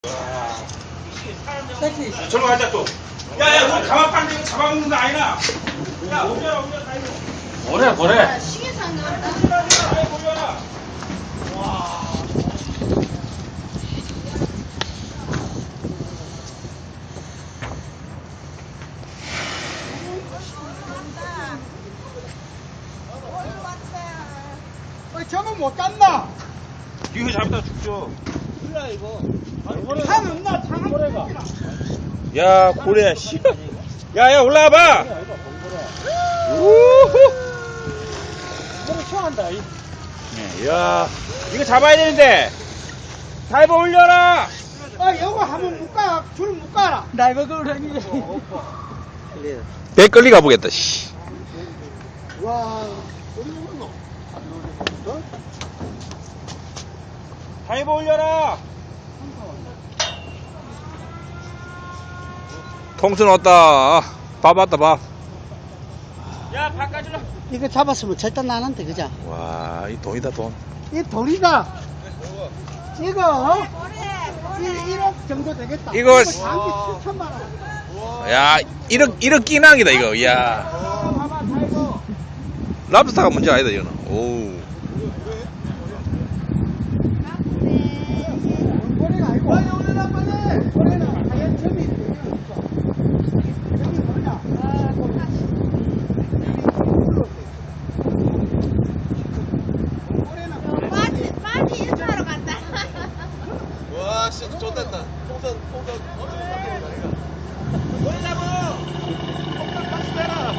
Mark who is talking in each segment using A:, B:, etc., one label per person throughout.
A: 저로 가자 또. 야야 우리 가만 빨리 잡아먹는 거 아니나? 야 올려라 올려 다 이거.
B: 보래.
C: 시계상 나온다.
A: 아이 올려라. 와.
D: 저건 못 잡나?
A: 이거 잡다 죽죠.
D: 몰라 이거. 산 없나? 고래가.
A: 야 고래야 씨. 야야 올라와봐. 우후.
D: 고래 좋아한다.
A: 야 이거 잡아야 되는데. 다이버 올려라.
D: 이거 한번 묶어. 줄 묶어라. 나 이거 그러니.
B: 배 끌리 가보겠다, 씨.
D: 와.
A: 다이버 올려라.
B: 통순 왔다. 밥 왔다, 밥.
A: 야 바깥으로.
D: 이거 잡았으면 절대 나는데 그죠?
B: 와, 이 돈이다, 돈.
D: 이 돌이가 이거 1억 정도 되겠다.
B: 이거
D: 장기 7천만 원.
B: 야, 1억 끼낭이다, 이거. 야.
D: 봐봐, 이거.
B: 랍스타가 문제 아니다, 이거는. 오.
D: 고래가 아니고. 빨리 올려라 빨리. 고래는 하얀 점이 있어. 여기 뭐냐?
C: 빠지 인사하러 간다.
E: 와 진짜 좋댔다. 풍선
A: 고래 잡아. 박스 대라.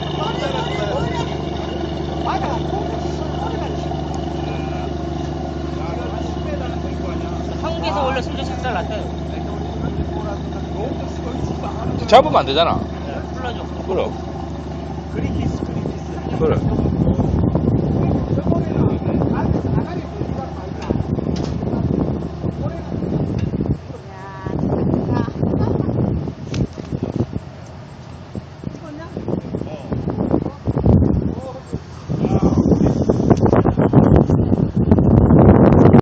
D: 맞아.
F: 한국에서 원래 술도 작살 났어요.
B: 잡으면 안 되잖아.
F: 불러줘.
B: 그럼. 그래.